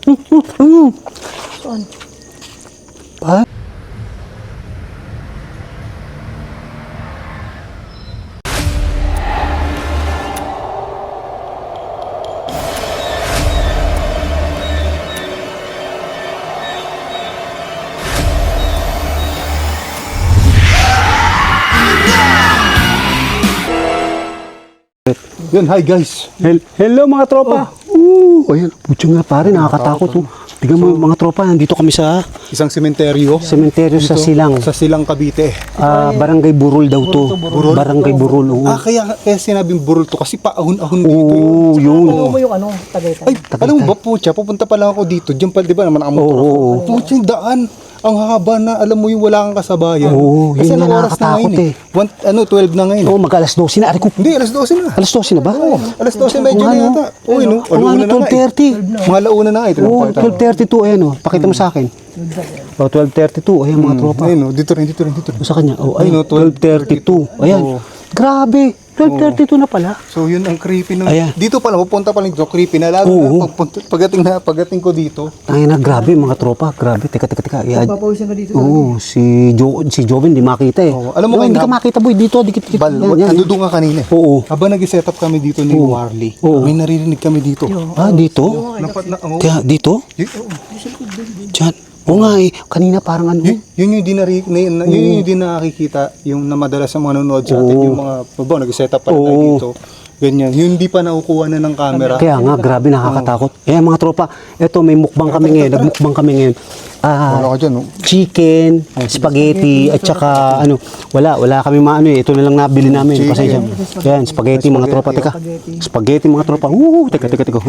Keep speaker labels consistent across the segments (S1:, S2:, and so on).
S1: Saan?
S2: Pa?
S3: Yan, hi guys.
S2: Hello mga tropa. Ayan, putyo nga pare, nakakatakot. Tignan mo mga tropa, nandito kami sa
S3: Isang sementeryo.
S2: sementeryo sa Silang.
S3: Sa Silang, Cavite.
S2: Barangay Burol daw to.
S3: Burol?
S2: Barangay Burol. Oo.
S3: Kaya sinabing burol to kasi paahon-ahon dito.
S2: Oo, yun.
S1: Ano mo yung ano, Tagaytay?
S3: Ay, alam mo ba po siya, pupunta pa lang ako dito. Diyan pa, di ba naman ang motor ako.
S2: Oo.
S3: Pucha, yung daan. Ang haba na, alam mo yung wala kang kasabayan.
S2: Oo,
S3: Kasi
S2: yun nga
S3: anong oras na ngayon
S2: nakakatakot
S3: 12 na ngayon.
S2: Oo, mag-alas 12 na. Ari ko,
S3: Hindi, alas 12 na.
S2: alas 12 na ba?
S3: Oo, alas 12 medyo na yata. Oo, no?
S2: Oo nga,
S3: Alauna na nga eh.
S2: 12:30.
S3: Mga launa na nga eh.
S2: Oo, 12:32. Ayan o, pakita mo sa akin. O, 12:32. Ayan mga tropa.
S3: Ayun, no? Dito rin.
S2: Sa kanya. O,
S3: Ayun,
S2: ayun,
S3: oh,
S2: 12:32. Ayan.
S3: Oo.
S2: Grabe. 12:32 na pala.
S3: So yun ang creepy ng
S2: Ayan.
S3: dito pala pupunta pa lang dito creepy na lalo
S2: Oo.
S3: na pagdating ko dito.
S2: Tangina, grabe mga tropa. Grabe. Teka.
S1: Papawisan ka dito.
S2: Oo, si Joven di makita eh.
S3: Oo. Alam mo,
S2: hindi
S3: kayo
S2: ka makita boy dito, dikit.
S3: Bal,
S2: Yan.
S3: ando doon nga kanina.
S2: Oo.
S3: Habang nag-set up kami dito ni Warley,
S2: Oo.
S3: may naririnig kami dito.
S2: Ah, dito? Kaya dito? Diyan. Oo nga eh, kanina parang ano.
S3: Yun yung yun yung di nakikita, yung na madalas sa mga nanonood sa atin, yung mga, nag-set up pa tayo dito. Ganyan, yun hindi pa nakukuha na ng camera.
S2: Kaya nga, grabe nakakatakot. Eh mga tropa, eto may mukbang kami ngayon, nagmukbang kami ngayon.
S3: Wala ka dyan, no?
S2: Chicken, spaghetti, at saka ano, wala kami maano eh. Ito na lang nabili namin. Pasensya. Yan, spaghetti mga tropa. Teka, spaghetti mga tropa. Teka.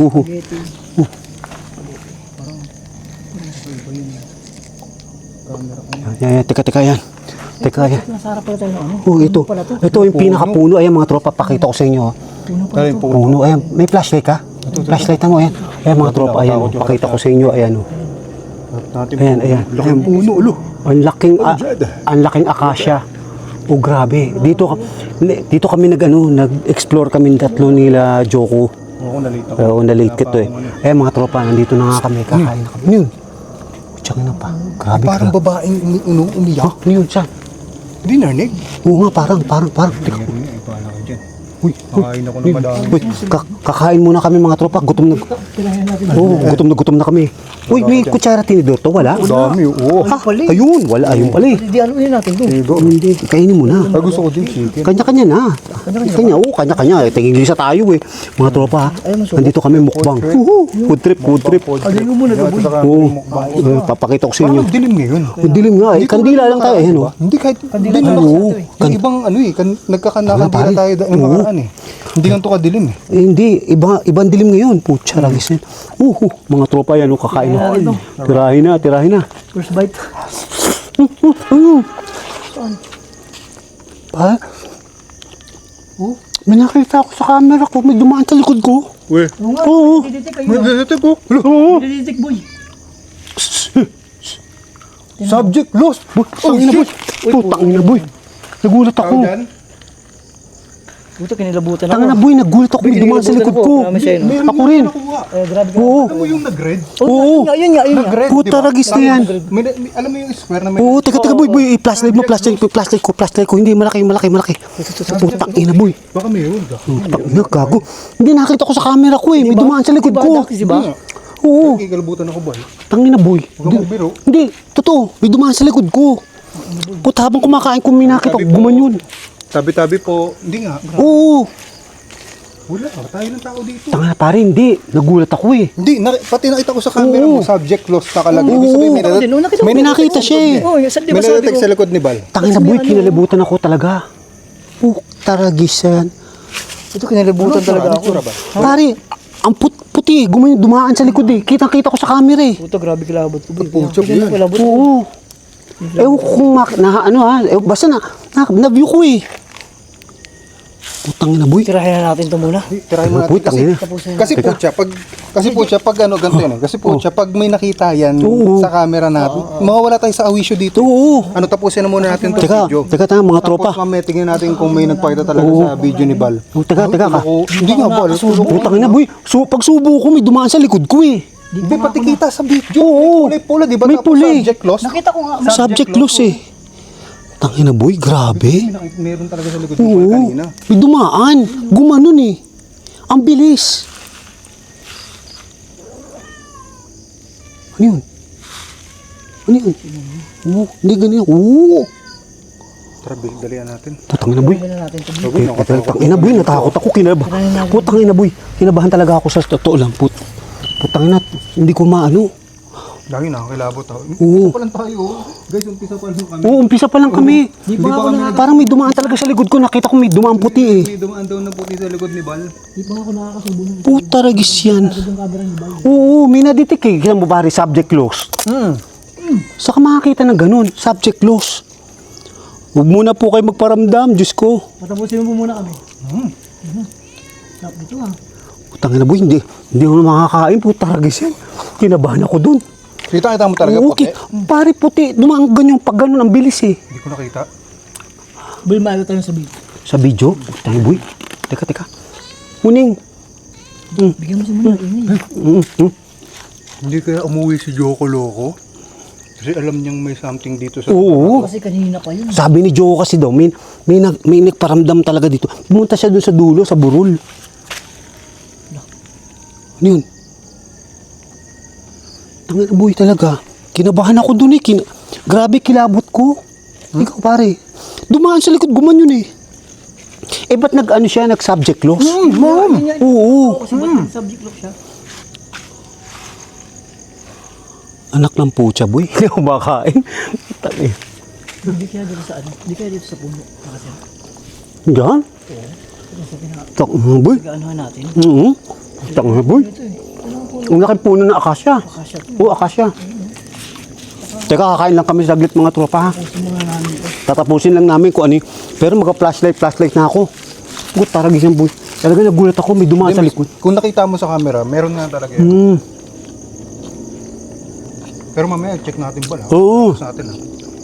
S2: Yan, teka yan.
S1: Nasa harap pala tayo ng ano.
S2: Ito yung pinakapuno. Ayan mga tropa, pakita ko sa inyo.
S3: Ayun po.
S2: Puno. Ayan, may flashlight ka? Flashlight mo, ayan. Ayan mga tropa, ayan. Pakita ko sa inyo, ayan. Ayan.
S3: Laking puno, ulo.
S2: Ang laking akasya. Oh, grabe. Dito kami nag-explore kami tatlo nila Joko.
S3: Oo, nalito.
S2: Oo, na-late ka to eh. Ayan mga tropa, nandito na nga kami, kakain na kami. Ano yun? Tsaka na pa. Grabe.
S3: Parang babaeng umiyak.
S2: Ano yun, saan?
S3: Hindi narinig.
S2: Oo nga, parang. Teka.
S3: Ipala ka dyan. Uy, kakain ako ng madami.
S2: Uy, kakain muna kami mga tropa. Gutom na kami. Uy, may kutsara tinidor to, wala?
S3: Dami, oo.
S2: Ha? Ayun, wala. Ayun pala eh.
S1: Hindi, ano yun natin doon?
S2: Hindi, kainin mo na.
S3: Gusto ko din chicken.
S2: Kanya-kanya na. Kanya-kanya. Tingin-lisa tayo eh. Mga tropa, nandito kami mukbang. Food trip.
S1: Alin mo muna gaboy.
S2: Oo. Papakita ko sa inyo.
S3: Parang dilim ngayon.
S2: Dilim nga eh. Kandila lang tayo. Ayan o.
S3: Hindi kahit
S1: Kandila
S3: dilim
S1: lang
S3: lang.
S1: sa ito eh.
S3: Yung ibang nagkakanakandila tayo ng nakaraan eh. Hindi ganito kadilim eh.
S2: Hindi, ibang dilim ngayon. Putya, ragis yan. Mga tropa yan, kakain na. Tirahin na.
S1: First bite.
S2: Pa? May nakita ako sa camera ko, may dumaan sa likod ko.
S3: Uy.
S2: Oo.
S1: Dididik kayo.
S3: Nagdadete ko.
S1: Dididik boy.
S3: Subject lost.
S2: Tangina boy. Nagulat ako.
S1: Buto kinilabutan ako.
S2: Tangina boy, nagulat ako, may dumaan sa likod ko. Ako rin.
S1: Grabe ka.
S2: Oo.
S3: Alam mo yung nag-red?
S2: Oo.
S1: Yun nga.
S3: Nag-red,
S2: Puta,
S3: di ba?
S2: ragis na yan.
S3: Alam mo yung square na may...
S2: Oo, teka boy, flashlight ko. Hindi, malaki. Putang ina boy.
S3: Baka mayroon ka.
S2: Tangina, gago. Hindi, nakita ko sa camera ko eh, may dumaan sa likod ko.
S1: Diba?
S2: Oo.
S3: Kikalabutan ako ba?
S2: Tangina boy.
S3: Huwag mo biro.
S2: Hindi, totoo, may dumaan sa likod ko. Puta, habang kumakain ko, may nakita ko, gumanyon.
S3: Tabi-tabi po. Hindi nga.
S2: Oo.
S3: Wala. Tayo ng tao dito.
S2: Tanga pare, hindi. Nagulat ako eh.
S3: Hindi. Pati nakita ko sa camera mo. Subject lost nakalagay. Ibig sabihin,
S2: May nakita siya eh.
S1: Oo, di
S3: May
S1: ba sabi
S3: nalatek
S1: ko?
S3: sa likod ni Bal.
S2: Tangina boy, kinalibutan ako talaga. Taragis yan.
S1: Ito kinilabutan talaga ako.
S2: Pare, ang puti, dumaan sa likod eh. Kitang-kita ko sa camera eh.
S1: Puta, grabe kilabot ko.
S3: Puchok yan.
S2: Oo. Ewan ko kung basta na-view ko eh. Putang ina boy.
S1: Tirahin na natin ito muna.
S3: Tirahin mo
S2: Boy,
S3: natin.
S2: tangina.
S3: Kasi po siya, pag ganito yan. Kasi po siya, pag may nakita yan sa camera natin, mawawala tayo sa awisyo dito.
S2: Oo.
S3: Tapusin na muna natin itong video.
S2: Teka, mga tropa.
S3: Tapos mamaya tingnan natin kung may nagpakita talaga sa video ni Bal.
S2: Teka ka.
S3: Hindi nga, Bal.
S2: Putang ina boy. So, pag subo ko, may dumaan sa likod ko eh.
S3: Hindi, pati kita sa video.
S2: Oo.
S3: May pula, di ba?
S2: May
S3: Tapos
S2: pula eh.
S3: subject loss.
S1: Nakita ko nga.
S2: Subject loss eh. Tangina boy, grabe.
S3: Meron talaga sa likod ng
S2: Oo.
S3: kanina.
S2: May dumaan. Gumanon eh. Ang bilis. Ano yun? Ano yun? Oo, hindi ganyan. Oo.
S3: Tara, dalian natin.
S2: Putang ina boy.
S1: Gawin na natin ito.
S3: Bagoy,
S2: Putang ina boy, natakot ako. Putang ina boy. Kinabahan talaga ako sa totoo lang. Putang ina, hindi ko maano.
S3: Lagi nakakilabot ako.
S2: Oo.
S3: Umpisa pa lang tayo. Guys, umpisa pa lang kami.
S2: Oo, umpisa pa lang kami.
S1: Di ba ako nakaka...
S2: Parang may dumaan talaga sa likod ko. Nakita ko may dumaan puti eh.
S3: May dumaan daw na puti sa likod ni Bal.
S1: Di ba ako nakakasubo ng
S2: Puta ragis yan.
S1: yung camera ni Bal.
S2: Oo, may naditik eh. Kaya mo pare, subject loss. Saka makakita ng ganun, subject loss. Huwag muna po kayo magparamdam, Diyos ko.
S1: Patapusin mo muna kami. Sarap dito ah.
S2: Putang ina boy, hindi ako na makakain. Puta ragis yan. Kinabahan ako dun.
S3: Kita mo talaga
S2: Oo,
S3: puti.
S2: pare puti. Dumaan ganyan, pag ganun, ang bilis eh.
S3: Hindi ko nakita.
S1: Bal, maaga tayo sa video.
S2: Sa video, putang ina boy. Teka. Muning.
S1: Bigyan mo si Muna.
S3: Hindi kaya umuwi si Joko Loco? Kasi alam niyang may something dito sa...
S2: Oo.
S1: Kasi kanina pa yun.
S2: Sabi ni Joe kasi daw, may nagparamdam talaga dito. Pumunta siya doon sa dulo, sa burol. Ano yun? Tangina boy talaga. Kinabahan ako doon eh. Grabe kilabot ko. Ikaw pare. Dumaan sa likod, guman yun eh. Eh ba't nag-ano siya, nag-subject loss?
S3: Mom!
S2: Oo.
S1: Kasi ba't subject lock siya?
S2: Anak ng pucha boy. Hindi ako makain. Tangina.
S1: Hindi kaya dito sa ano? Hindi kaya dito sa puno. Kasi
S2: Diyan? Tangina boy.
S1: gaanuhan natin.
S2: Tangina boy.
S1: Ito eh.
S2: Ang laki puno ng akasya.
S1: Akasya to.
S2: Oo, akasya. Teka, kakain lang kami saglit mga tropa ha.
S1: Kasi mga namin ito.
S2: Tatapusin lang namin kung ano yun. Pero magka-flashlight na ako. Gut, taragis yan boy. Talaga nagulat ako, may dumaan sa likod.
S3: Kung nakita mo sa camera, meron nga talaga yan. Pero mamaya, check natin Bal.
S2: Oo.
S3: Sa atin ha.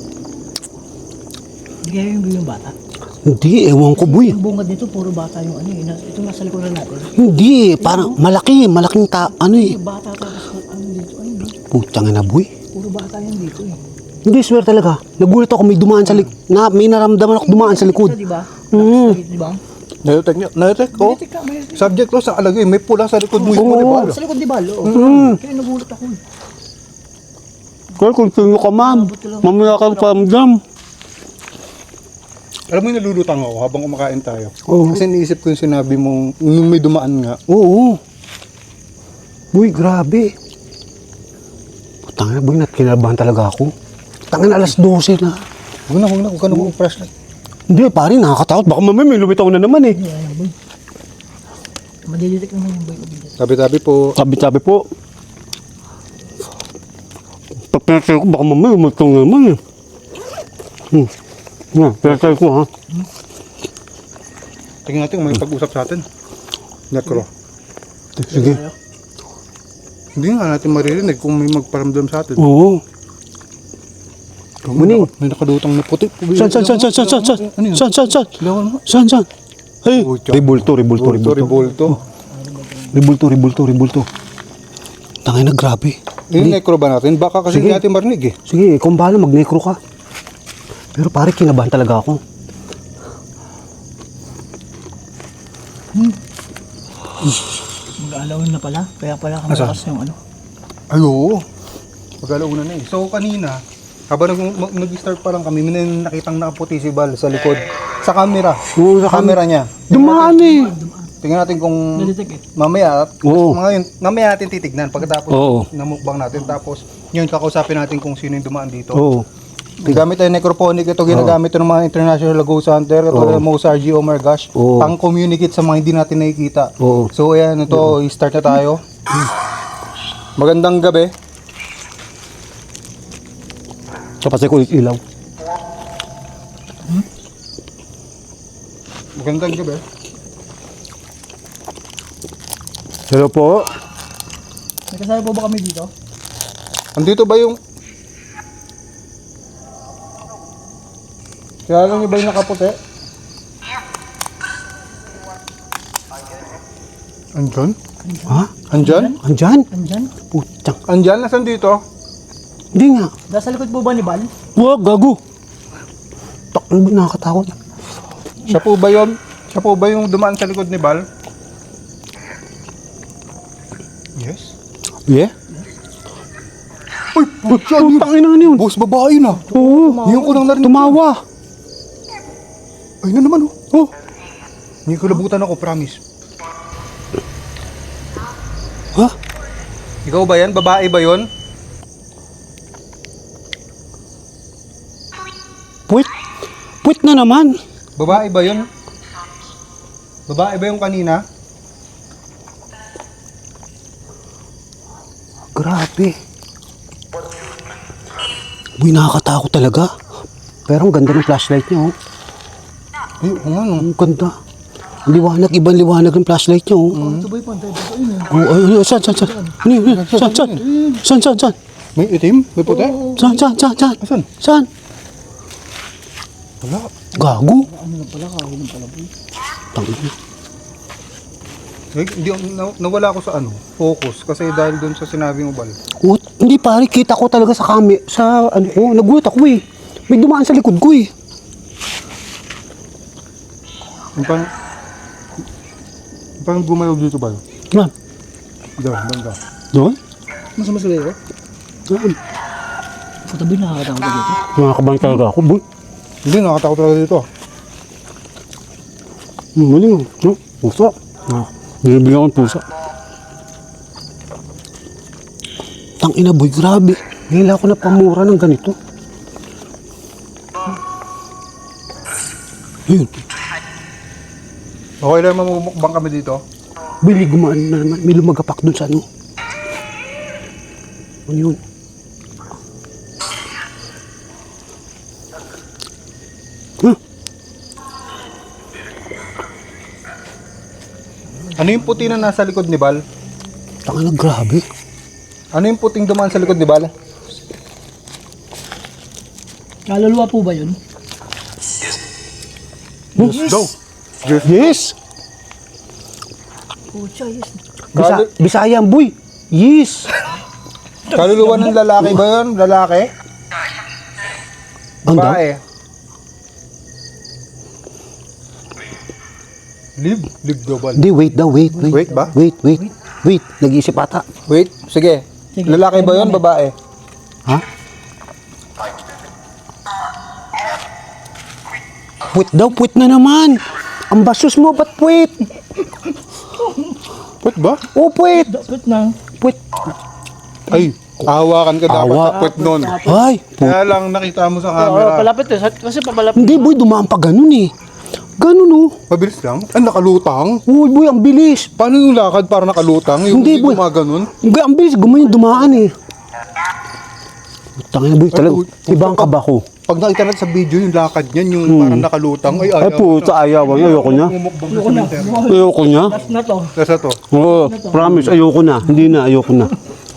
S1: Hindi kaya yung bata.
S2: Hindi, ewan ko boy.
S1: Yung bungad nito, puro bata yung ano eh. Ito nasa likuran natin.
S2: Hindi, parang malaking ano eh.
S1: Yung bata tapos ano dito. Ay, hindi.
S2: Putang ina boy.
S1: Puro bata yan dito eh.
S2: Hindi, swear talaga. Nagulat ako, may dumaan sa likod. May naramdaman ako dumaan sa likod.
S1: Di ba? Di ba?
S3: Nayotek niya. Nayotek ko.
S1: Mayroon ka, mayroon.
S3: Subject loss ang alagay. May pula sa likod mo.
S2: Oo.
S3: Di ba?
S1: Sa likod di ba? Oo. Kaya nagulat ako eh.
S2: Kaya kung sino ka ma'am, mamaya kang paramdam.
S3: Alam mo yung nalulutang ako habang kumakain tayo.
S2: Oo.
S3: Kasi niisip ko yung sinabi mong nung may dumaan nga.
S2: Oo. Boy, grabe. Putang ina, boy, kinabahan talaga ako. Tangin alas 12 na.
S3: Huwag na, huwag ka na mag-flashlight.
S2: Hindi, pare, nakakatakot. Baka mamaya may lumitaw na naman eh.
S1: Hindi, alam boy. Madidetect naman yung boy.
S3: Tabi-tabi po.
S2: Sabi po. Pag pinatay ko, baka mamaya lumitaw na naman eh. Pinatay ko ha.
S3: Tingnan natin kung may pag-usap sa atin. Necro.
S2: Sige.
S3: Hindi nga natin maririnig kung may magparamdam sa atin.
S2: Oo. Muning.
S3: May nakadutang na puti.
S2: Saan?
S3: Ano yun?
S2: Saan?
S3: Lawan mo.
S2: Saan? Ay,
S3: Oh, tiyan.
S2: ribulto. Ribulto. Tangay na, grabe.
S3: Yung necro ba natin? Baka kasi
S2: Sige.
S3: hindi natin marinig eh.
S2: Sige, kung bahala, mag-necro ka. Pero pare, kinabahan talaga ako.
S1: Mag-aalawin na pala. Kaya pala kami
S3: Asa?
S1: lakas yung ano.
S3: Ay, oo. Mag-alauna na eh. So, kanina, habang nag-start pa lang kami, may nakitang nakaputi si Bal sa likod. Sa camera.
S2: Oo, sa
S3: camera niya.
S2: Dumaan eh.
S3: Tingnan natin kung
S1: Nadetect eh.
S3: mamaya,
S2: Oo.
S3: mamaya natin titignan pagkatapos
S2: Oo.
S3: namukbang natin. Tapos, yun, kakausapin natin kung sino yung dumaan dito.
S2: Oo.
S3: Gamit tayo necrophonic. Ito ginagamit ito ng mga international ghost hunter. Katulad ng Mozart G. Oh my gosh.
S2: Oo.
S3: Pang communicate sa mga hindi natin nakikita.
S2: Oo.
S3: So ayan, ito, start na tayo. Magandang gabi.
S2: Kapasay ko ilaw.
S3: Magandang gabi.
S2: Hello po.
S1: May kasama po ba kami dito?
S3: Andito ba yung... Kilala niyo ba yung nakaputi? Andyan?
S2: Ha?
S3: Andyan?
S2: Andyan?
S1: Andyan.
S2: Putang.
S3: Andyan? Nasaan dito?
S2: Hindi nga.
S1: Nasa likod po ba ni Bal?
S2: Wag, gago. Ano ba nakakatakot?
S3: Siya po ba yun? Siya po ba yung dumaan sa likod ni Bal? Yes.
S2: Yeah?
S3: Uy, putya,
S2: Putang ina na yun.
S3: boss, babae na.
S2: Oo.
S3: Ngayon ko lang narinig.
S2: Tumawa.
S3: Ay na naman, oh. Oh. Hindi ko labutan ako, promise.
S2: Ha?
S3: Ikaw ba yan? Babae ba yon?
S2: Puwit. Puwit na naman.
S3: Babae ba yon? Babae ba yung kanina?
S2: Grabe. Uy, nakakatakot talaga. Pero ang ganda ng flashlight niya, oh.
S3: Ay, oo nga, no.
S2: Ang ganda. Ang liwanag, ibang liwanag ng flashlight niya, oh.
S1: Ito ba yung pantay? Ito yun eh.
S2: Oh, ay, saan? Ano yun? Saan?
S3: May itim? May puti?
S2: Saan?
S3: Asan?
S2: Saan?
S3: Wala.
S2: Gago.
S1: Ano lang pala, kahuli lang pala po.
S2: Tangina.
S3: Ay, hindi, nawala ako sa ano, focus. Kasi dahil doon sa sinabi mo, Bal.
S2: Oh, hindi pare, kita ko talaga sa sa ano ko, nagulat ako eh. May dumaan sa likod ko eh.
S3: Parang gumayaw dito, Bal.
S2: Ma'am,
S3: Diyan, banda.
S2: doon?
S1: Mas masali ko?
S2: Saan?
S1: Katabi nakakatakot ka dito.
S2: Nakakabang talaga ako, boy.
S3: Hindi, nakatakot talaga dito.
S2: Maling, no? Pusa. Nilibigyan ko ng pusa. Tangina, boy, grabe. Ngayon ako na pamura ng ganito. Ayun.
S3: Okay lang, mamumukbang kami dito.
S2: Bili, gumaan na naman. May lumagapak dun sa ano. Ano yun? Huh?
S3: Ano yung puti na nasa likod ni Bal?
S2: Tangina, grabe.
S3: Ano yung puting dumaan sa likod ni Bal?
S1: Kaluluwa po ba yun?
S2: Yes.
S3: Go.
S2: Yes.
S1: Pucha, yes.
S2: Bisaya, boy. Yes.
S3: Kaluluwa ng lalaki ba yun? Lalaki?
S2: Ang daw?
S3: Babae? Live daw, Bal.
S2: Hindi, wait daw, wait.
S3: Wait ba?
S2: Wait. Nag-iisip ata.
S3: Wait, sige.
S1: Sige.
S3: Lalaki ba yun? Babae?
S2: Ha? Puwit daw, puwit na naman. Ang basos mo, ba't puwit?
S3: Puwit ba?
S2: Oh, puwit.
S1: Dapat na.
S2: Puwit.
S3: Ay, hawakan ka dapat
S2: Awa.
S3: sa puwit nun.
S2: Ay,
S3: Kaya lang nakita mo sa
S1: Oo,
S3: camera.
S1: palapit eh. Kasi papalapit.
S2: hindi, boy, dumaan pa ganun eh. Ganun oh.
S3: Mabilis lang? Ah, nakalutang?
S2: Uy, boy, ang bilis.
S3: Paano yung lakad para nakalutang? Yung
S2: Hindi,
S3: hindi
S2: boy.
S3: gumaganon?
S2: Ang bilis, gumayon, dumaan eh. Tangina, boy, talaga. Ibang kaba ko.
S3: Pag nakita natin sa video yung lakad niyan, yung parang nakalutang, ay
S2: Ay, puta, ayaw. Ayoko niya.
S3: Umukbang sa
S1: Ayoko na.
S3: cemetery.
S2: Ayoko niya.
S1: Last na to.
S3: Nasa to.
S2: Oo, promise, ayoko na. Hindi na, ayoko na.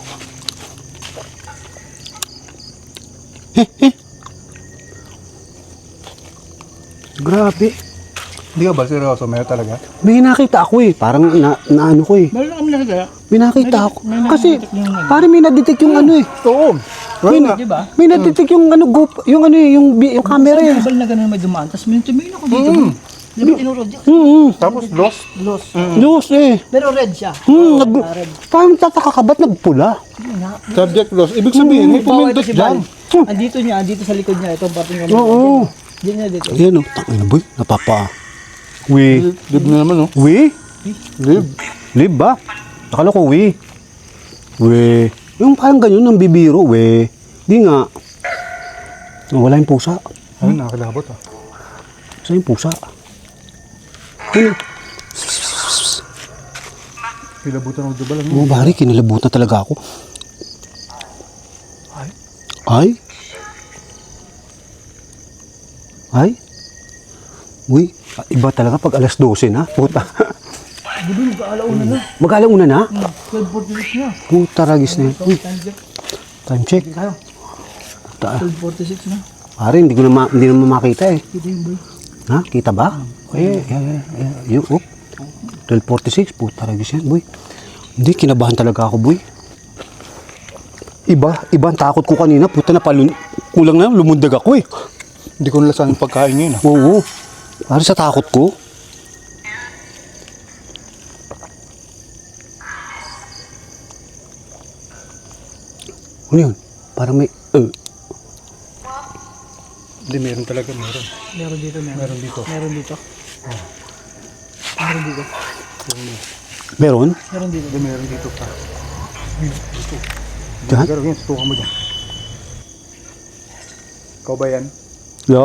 S2: Grabe.
S3: Hindi ka ba seryoso? Meron talaga?
S2: May nakita ako eh. Parang ano ko eh.
S1: Meron kami nakagaya.
S2: May nakita ako.
S1: may
S2: Kasi,
S1: nakita yung ano.
S2: parang may nadetect yung ano eh.
S3: Oo.
S2: May,
S3: Wala.
S1: Di ba?
S2: may nadetect yung ano, yung ano eh, yung camera eh.
S1: Kabal na ganun may dumaan. Tapos may tumingin ako dito. Di ba tinurod yun?
S3: Tapos lost.
S1: Lost.
S2: News eh.
S1: Pero red siya. Red.
S2: Parang tataka ka ba't nagpula?
S3: Subject lost. Ibig sabihin, may
S1: Bawa
S3: pumindot
S1: ito si Bal.
S3: dyan.
S1: Andito niya, andito sa likod niya. Ito ang parting kami.
S2: Oo.
S1: Diyan niya dito.
S2: Ayan o, tangina boy, napapa.
S3: Live na naman, oh. Live.
S2: Live ba? Akala ko yung parang ganyan ng bibiro, Di nga. Wala yung pusa.
S3: Ay, nakakilabot, ah.
S2: Saan yung pusa?
S3: Kilabutan ako diba lang.
S2: Oh, bari, kinilabutan talaga ako. Ay? Uy, iba talaga pag alas 12 na. Puta.
S1: Gudu, mag-aalauna na.
S2: Mag-alauna na?
S1: 12:46 na.
S2: Puta, ragis na yun. Uy,
S1: Time check.
S2: time check.
S1: Tayo.
S2: Ta
S1: 12:46 na.
S2: Pare, hindi naman makita eh.
S1: Kita yung boy.
S2: Ha? Kita ba? Yung 12:46. Puta, ragis yan, boy. Hindi, kinabahan talaga ako, boy. Iba ang takot ko kanina. Puta na kulang na, lumundag ako eh.
S3: Hindi ko nalasan yung pagkain ngayon.
S2: Oo. Para sa takot ko. Ano yun? Parang may...
S3: Hindi, meron talaga, meron.
S1: Meron dito,
S3: Meron dito.
S1: Meron dito. Meron dito.
S2: Meron?
S1: Meron dito.
S3: Hindi, meron dito pa. Dito.
S2: Diyan?
S3: Pero yan, tutukan mo dyan. Ikaw ba yan?
S2: Hello?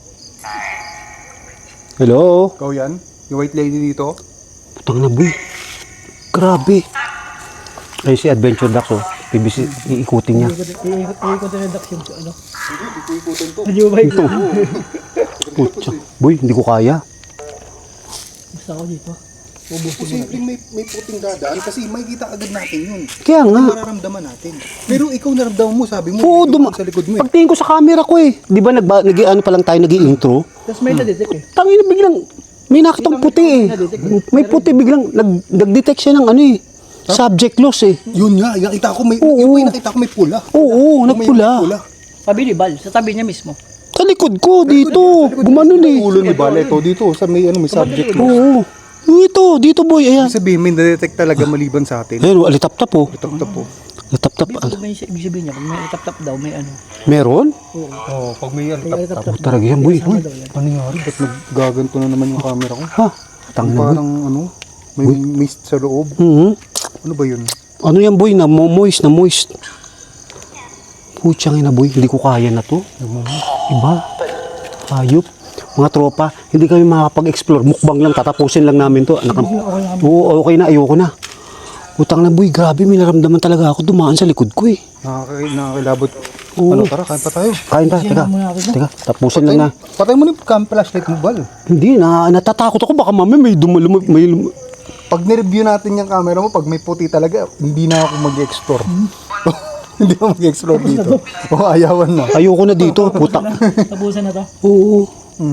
S2: Hello?
S3: Ikaw yan? Yung white lady dito?
S2: Putang na, boy. Grabe. Ayun si Adventure Ducks, oh. PBC, iikutin niya.
S1: Iikot na redact yung ano.
S3: Hindi ko ikutin to.
S1: Medyo ba ito?
S2: Putsa. Boy, hindi ko kaya.
S1: Basta ako dito.
S3: Posibleng may puting dadaan kasi makikita agad natin yun.
S2: Kaya nga.
S3: Mararamdaman natin. Pero ikaw naramdaman mo, sabi mo,
S2: Oo,
S3: yung sa likod mo eh.
S2: Pagtingin ko sa camera ko eh. Di ba ano pa lang tayo nag-i-intro?
S1: Tapos may na-detect eh.
S2: Tangin na biglang, may nakitang puti eh. May puti biglang, nag-detect siya ng ano eh. Subject loss eh.
S3: Yun nga, nakita ko may,
S2: Oo.
S3: yung may nakita ko may pula.
S2: Oo,
S3: May
S2: nagpula.
S3: pula.
S1: Sabi ni Bal, sa tabi niya mismo.
S2: Sa likod ko, dito. Gumanon eh.
S3: Ulo ni Bale to dito sa may ano may subject mo.
S2: Oo. Dito boy, ayan.
S3: Ibig sabihin may na-detect talaga maliban sa atin.
S2: Ayun, alitap-tap oh.
S3: Tap-tap po.
S2: Alitap-tap.
S1: Ibig may ibig sabihin niya, pag may tap-tap daw, may ano.
S2: Meron?
S1: Oo.
S3: Oo, pag may
S1: May
S3: tap-tap.
S1: tap-tap.
S2: Talaga yan boy.
S1: Sama daw yan.
S3: Ano nangyari? Ba't naggaganto na naman yung camera ko?
S2: Ha? Tangin na boy.
S3: Parang ano, may mist sa loob.
S2: Mhm.
S3: Ano ba yun?
S2: Ano yan boy, na moist. Putsang ina boy, hindi ko kaya na to. Iba. Hayop. Mga tropa, hindi kami makakapag-explore. Mukbang lang, tatapusin lang namin to. Oo, okay na, ayoko na. Utang na boy, grabe, may naramdaman talaga ako. Dumaan sa likod ko eh.
S3: Nakakilabot.
S2: Oo.
S3: Ano, tara, kain pa tayo.
S2: Kain pa, teka. Teka, tapusin lang na.
S3: Patay mo na yung flashlight mo, Bal.
S2: Hindi, natatakot ako. Baka mamaya may
S3: Pag nireview natin yung camera mo, pag may puti talaga, hindi na ako mag-explore. Hindi ako mag-explore dito. O, ayawan na.
S2: Ayoko na dito, putak.
S1: Tapusan na to.
S2: Oo.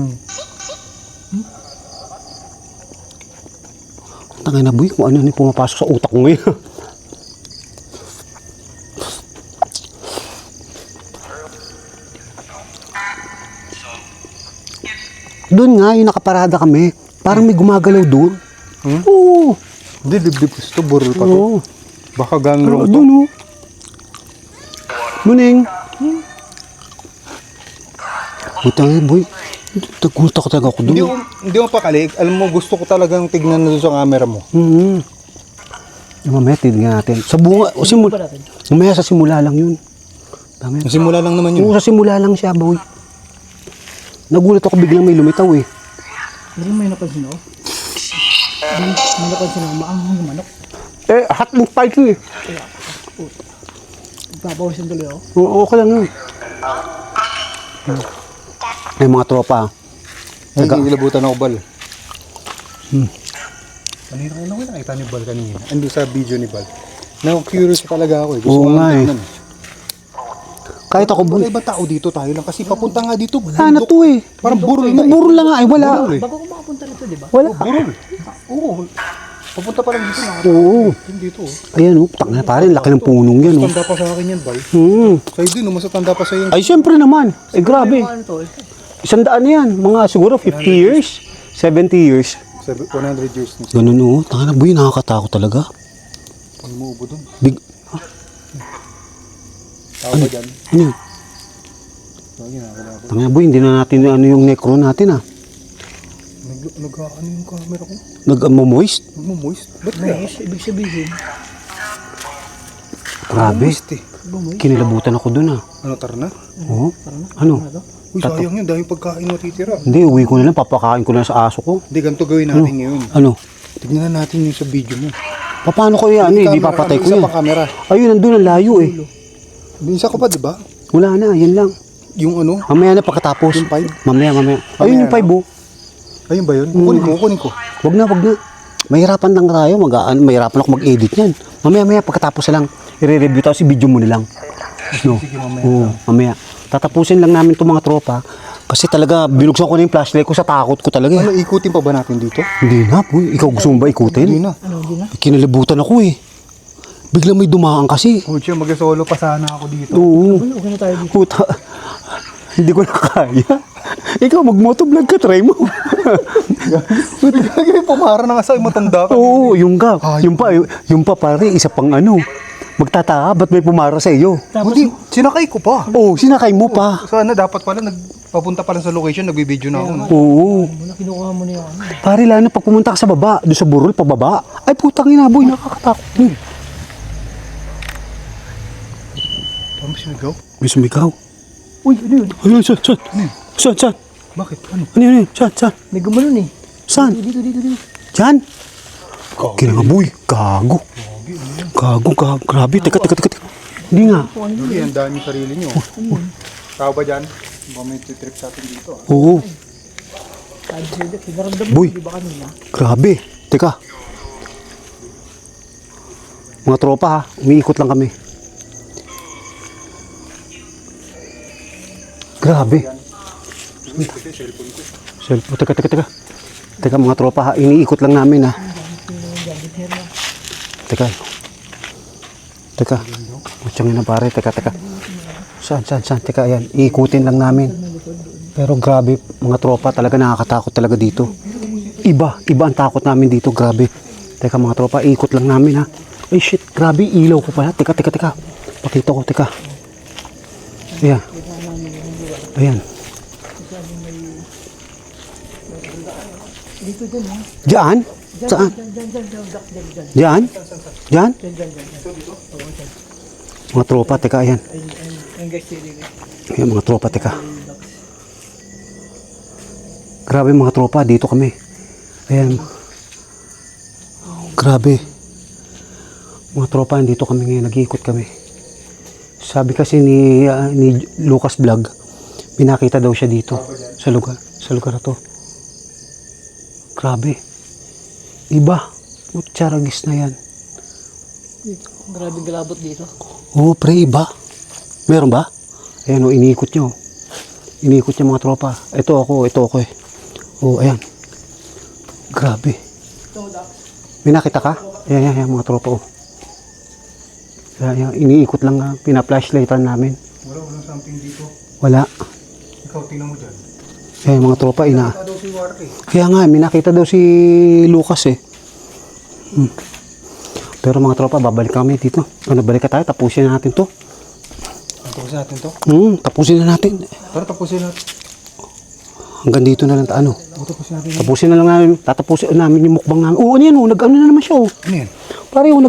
S2: Tangay na boy, kung ano yung pumapasok sa utak ko ngayon. Doon nga, yung nakaparada kami. Parang may gumagalaw doon. Oo.
S3: Hindi, dibdib gusto, burol pa to.
S2: Oo.
S3: Baka gangrong to.
S2: Doon o. Muning. Putang ina boy. Nagulat ako talaga ako doon.
S3: Hindi mo pakali. Alam mo, gusto ko talagang tignan na doon sa camera mo.
S2: Mamaya, tignan natin. Sa bunga, mamaya sa simula lang yun. Mamaya.
S3: Simula lang naman yun.
S2: Oo, sa simula lang siya, boy. Nagulat ako biglang may lumitaw eh.
S1: Hindi may napansin ako. May napansin ako, maanghang yung manok.
S2: Eh, hot and spicy eh.
S1: Papawisin tuloy ako.
S2: Oo, okay lang yun. Ay, mga tropa.
S3: Ay, nilabutan ako, Bal. Kanina ko nakita ni Bal kanina. Ando sa video ni Bal. Na-curious talaga ako eh. Gusto
S2: Oo
S3: ko
S2: nga eh.
S3: tignan.
S2: Kahit ako, boy.
S3: Wala iba tao dito, tayo lang. Kasi papunta nga dito.
S2: Wala na to eh.
S3: Parang burol na eh.
S2: Burol lang nga eh, wala.
S3: Burol eh.
S1: Bago ko makapunta rito, di ba?
S2: Wala.
S3: Burol. Oo. Papunta pa lang dito.
S2: Oo.
S3: Dito oh.
S2: Ayan oh, tangina pare, laki ng punong yan oh.
S3: Tanda pa sa akin yan, Bal.
S2: Hmm.
S3: Sa'yo din, mas tanda pa sa'yo.
S2: Ay, syempre naman. Eh, grabe.
S1: Ano to?
S2: 100 na yan. Mga siguro 50 years, 70 years.
S3: 100 years na.
S2: Ganun oh. Tangina boy, nakakatakot talaga.
S3: Pag muubo dun.
S2: Big,
S3: Tao ba dyan?
S2: ano yun?
S3: Lagi nakakalaban.
S2: Tangina boy, hindi na natin ano yung necro natin ah.
S3: Nag-ano yung camera ko?
S2: Nag-moist.
S3: Nagmo-moist. Ba't kaya?
S1: Nice, ibig sabihin.
S2: Grabe.
S3: Moist eh.
S2: Kinilabutan ako dun ah.
S3: Ano, tara na?
S2: Oo. Ano?
S3: Uy, sayang yun. Dahil pagkain matitira.
S2: Hindi, uwi ko na lang. Papakain ko na lang sa aso ko.
S3: Hindi, ganito gawin natin ngayon.
S2: Ano?
S3: Tignan na natin yung sa video mo.
S2: Paano ko yan? Hindi papatay ko yan.
S3: Isa pa camera.
S2: Ayun, nandun ang layo eh.
S3: May isa ko pa, di ba?
S2: Wala na, yan lang.
S3: Yung ano?
S2: Mamaya na pagkatapos.
S3: Yung 5?
S2: Mamaya. Ayun yung 5 oh.
S3: Ayun ba yun? Kukunin ko.
S2: Wag na. Mahirapan lang tayo. Mahirapan ako mag-edit yan. Mamaya, pagkatapos na lang, i-review tayo si video mo na lang. No?
S3: Sige, mamaya.
S2: Oo, mamaya. Tatapusin lang namin itong mga tropa. Kasi talaga, binuksan ko na yung flashlight ko sa takot ko talaga.
S3: Ano, ikutin pa ba natin dito?
S2: Hindi na, boy. Ikaw gusto mo ba ikutin?
S3: Hindi na.
S1: Ano, hindi na?
S2: Kinalibutan ako eh. Biglang may dumaan kasi.
S3: Pucha, mag-solo pa sana ako dito.
S2: Oo.
S1: Uy, okay na tayo dito.
S2: Puta. Hindi ko na kaya. Ikaw, mag-motovlog ka, try mo.
S3: Biglang pumara na nga sa'yo, matanda ka.
S2: Oo, yung ka. Yung pa pare, isa pang ano. Magtataka, ba't may pumara sa iyo?
S1: Tapos,
S3: Buti, sinakay ko pa.
S2: Oo, sinakay mo pa.
S3: Sana dapat pala, papunta pa lang sa location, nagbibideo na ako. No?
S2: Oo.
S1: muna kinukuha mo na yung ano.
S2: Pare, lalo na pag pumunta ka sa baba, doon sa burol, pababa. Ay, putang ina, boy, nakakatakot yun.
S3: Ano sinigaw?
S2: May sumigaw.
S1: Uy, ano yun?
S2: Ayun, saan? Saan?
S3: Bakit? Ano?
S2: Ano yun? Saan?
S1: May gumanon eh.
S2: Saan?
S1: Dito.
S2: Diyan? Kina nga, boy. Gago. Grabe. Teka. Hindi nga.
S3: Hindi, ang dami sarili nyo. Tao ba dyan? Baka may trip sa atin dito.
S2: Oo.
S1: Sabi sa'yo, pinaramdam mo,
S2: Boy.
S1: di ba kanina?
S2: Grabe. Teka. Mga tropa ha, umiikot lang kami. Grabe. Cellphone. Teka. Teka mga tropa ha, iniikot lang namin ha. Teka. Mutsangin na pare, teka. Saan? Teka, ayan, iikutin lang namin. Pero grabe, mga tropa, talaga nakakatakot talaga dito. Iba ang takot namin dito, grabe. Teka mga tropa, iikot lang namin ha. Ay shit, grabe, ilaw ko pala. Teka. Pakita ko, teka. Ayan.
S1: Dito dyan ha.
S2: Diyan? Saan?
S1: Dyan.
S2: Diyan? Mga tropa, teka, ayan.
S1: Ang guys, sili.
S2: Ayan mga tropa, teka. Grabe mga tropa, dito kami. Ayan. Grabe. Mga tropa, dito kami ngayon, nag-iikot kami. Sabi kasi ni Lucas Vlog, pinakita daw siya dito sa lugar na to. Grabe. Iba. Mutsaragis na yan.
S1: Grabe galabot dito.
S2: Oo, pre, iba. Meron ba? Ayan o, iniikot nyo. Iniikot nyo mga tropa. Ito ako eh. Oo, ayan. Grabe. May nakita ka? Ayan, mga tropa oh. Ayan, iniikot lang nga. Pina-flashlightan namin.
S3: Walang something dito.
S2: Wala.
S3: Ikaw, tingnan mo dyan.
S2: Ayan, mga tropa,
S3: Daw si Warte.
S2: Kaya nga, may nakita daw si Lucas eh. Pero mga tropa, babalik kami dito. Balik ka tayo, tapusin na natin to.
S3: Tapusin natin to.
S2: Tapusin na natin.
S3: Tara, tapusin natin.
S2: Hanggang dito na lang ano.
S3: Tapusin natin.
S2: Tapusin na lang namin. Tatapusin namin yung mukbang namin. Oo, ano yan oh. Nag-ano na naman siya oh.
S3: Ano yan?
S2: Pare oh,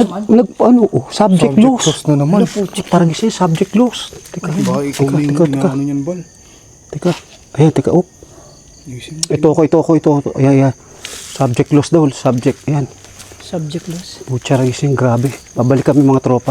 S2: subject loss.
S3: loss na naman.
S2: Parang isa subject loss. Teka.
S3: Baka ikaw na yung ano yan, Bal.
S2: Teka. Ayan, teka. Oh.
S3: Ayusin mo.
S2: Ito ako. Ayan. Subject loss daw. Subject. Ayan.
S1: Subject loss.
S2: Butcher racing, grabe. Babalik kami mga tropa.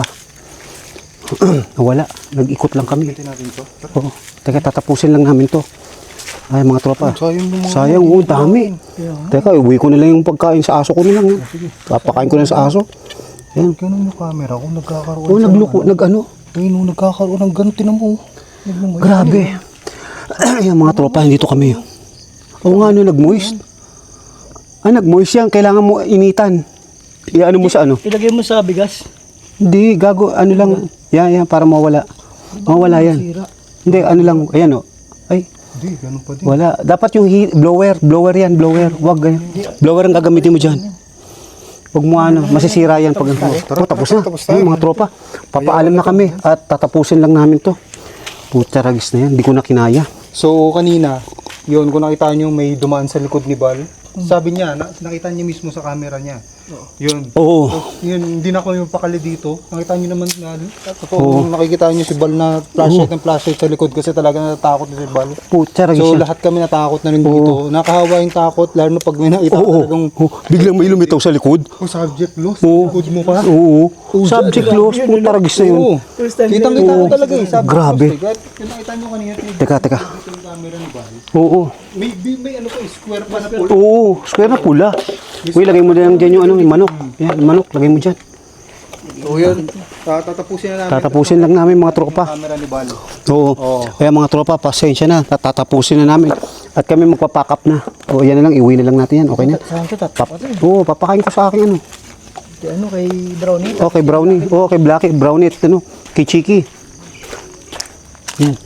S2: Nawala. Nag-ikot lang kami.
S3: Tingnan natin to. Tara.
S2: Oo. Teka, tatapusin lang namin to. Ay, mga tropa.
S3: Sayang yung mga...
S2: Sayang, oh, dami. Teka, uwi ko na lang yung pagkain sa aso ko na lang. Papakain ko na sa aso. Ayan.
S3: Ganun yung camera kung nagkakaroon.
S2: Oh, nag-ano?
S3: Ayun, nagkakaroon ng ganun. Tinan mo.
S2: Grabe. Ayan, mga tropa, dito kami. Oo nga, nag-moist. Nag-moist yan. Kailangan mo initan. Ano mo sa ano?
S1: Ilagay mo sa bigas.
S2: Hindi, gago. Ano lang. Yan, para mawala. Mawala yan.
S1: Sira.
S2: Hindi, ano lang. Ayan, oh. Ay,
S3: Hindi, ganun pa din.
S2: wala. Dapat yung blower yan, blower. Wag ganyan. Blower ang gagamitin mo dyan. Huwag mo masisira yan pag tapos na. Ayun, mga tropa. Papaalam na kami at tatapusin lang namin to. Puta ragis na yan, hindi ko na kinaya.
S3: So, kanina, yun, kung nakita nyo may dumaan sa likod ni Bal, sabi niya, nakita niya mismo sa camera niya. Yun.
S2: Oo.
S3: Yun, hindi na ako yung pakali dito. Nakita niyo naman na, totoo, nakikita niyo si Bal na flashlight sa likod kasi talaga natatakot na si Bal.
S2: Puta ragis
S3: So,
S2: yan.
S3: lahat kami natakot na rin dito. Nakahawa yung takot, lalo na pag may nakita talagang,
S2: Biglang may lumitaw sa likod.
S3: subject loss,
S2: Oo.
S3: likod mo pa.
S2: Oo. Subject loss, puta ragis na yun.
S3: Oo.
S1: First time
S3: Kitang-kita ko talaga eh. Subject
S2: Grabe.
S3: loss eh. Kahit yung nakita nyo kanina,
S2: Teka.
S3: yung camera ni Bal.
S2: Oo.
S3: May ano pa eh, square pa na pula.
S2: Oo. Square na pula. Uy, lagay mo lang dyan yung yung manok. Yan, manok, lagay mo dyan.
S3: So yun, tatapusin na namin.
S2: Tatapusin lang namin mga tropa.
S3: Camera ni Bal.
S2: Oo. Kaya mga tropa, pasensya na. Tatapusin na namin. At kami magpapack up na. O yan na lang, iuwi na lang natin yan. Okay na.
S1: Saan ka
S2: Oo, papakain ko sa akin ano.
S1: Kay ano, kay Brownie.
S2: Okay, Brownie. Oh, kay Blackie, Brownie at ano, kay Chiki. Yan.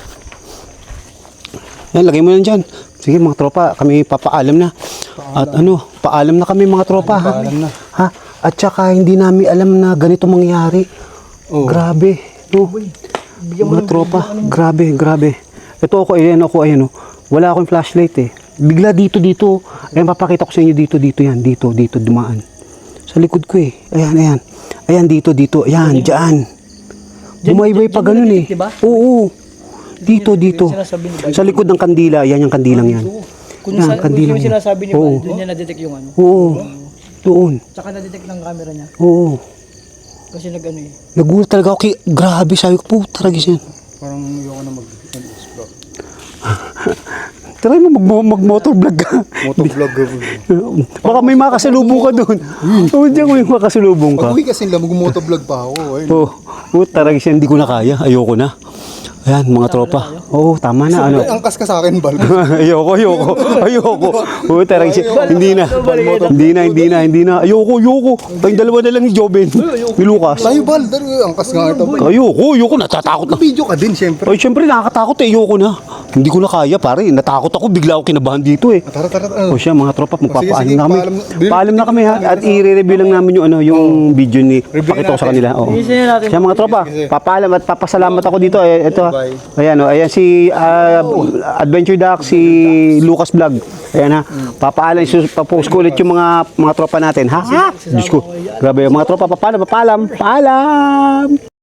S2: Yan, lagay mo yan dyan. Sige mga tropa, kami papaalam na. At ano, paalam na kami mga tropa. Ha?
S3: Paalam na.
S2: Ha? At saka hindi namin alam na ganito mangyari.
S3: Oo.
S2: Grabe. No? Mga tropa, grabe, grabe. Ito ako, ayan, oh. Wala akong flashlight eh. Bigla dito. Ayan, papakita ko sa inyo dito, yan. Dito, dumaan. Sa likod ko eh. Ayan. Ayan, dito. Ayan, dyan. Bumaybay pa ganun eh.
S1: diba?
S2: Oo. Dito.
S1: Sinasabi ni Bal.
S2: Sa likod ng kandila, yan yung kandilang yan.
S1: Kung
S2: Yan, kandilang
S1: yung
S2: yan.
S1: sinasabi ni
S2: Oo.
S1: Bal, doon niya na-detect yung ano.
S2: Oo. Doon.
S1: Tsaka na-detect ng camera niya.
S2: Oo.
S1: Kasi nag-ano eh.
S2: Nagulat talaga ako. Grabe, sabi ko po, taragis yan.
S3: Parang ayoko na mag-explore.
S2: Try mo mag-motovlog ka.
S3: Motovlog.
S2: Baka may makasalubong ka doon. Oo, diyan ko yung makasalubong ka.
S3: Pag-uwi kasi nila, mag-motovlog pa ako. Ayun.
S2: Oo, taragis yan, hindi ko na kaya. Ayoko na. Ayan, mga tropa. Oo, tama na. Ano?
S3: Ay, angkas ka sa akin, Bal.
S2: Ayoko. Oo, taragis yan. Hindi na. Ayoko. Tayong dalawa na lang ni Joben. Ni Lucas.
S3: Tayo, Bal. Angkas nga ito.
S2: Ayoko. Natatakot na.
S3: Video ka din, syempre.
S2: Ay, syempre nakakatakot eh. Ayoko na. Hindi ko na kaya, pare. Natakot ako. Bigla ako kinabahan dito eh.
S3: Tara.
S2: O siya, mga tropa, magpapaalam
S3: sige,
S2: na kami. Paalam na kami ha. At i-review lang namin yung video ni pakita ko sa kanila. Oo.
S1: Isin natin.
S2: Siya, mga tropa, papaalam at papasalamat ako dito. Ito,
S3: Bye.
S2: ayan si Adventure Duck, si Lucas Vlog. Ayan ha. Papaalam, papost ko ulit yung mga tropa natin. Ha? Diyos ko. Grabe, mga tropa, papaalam.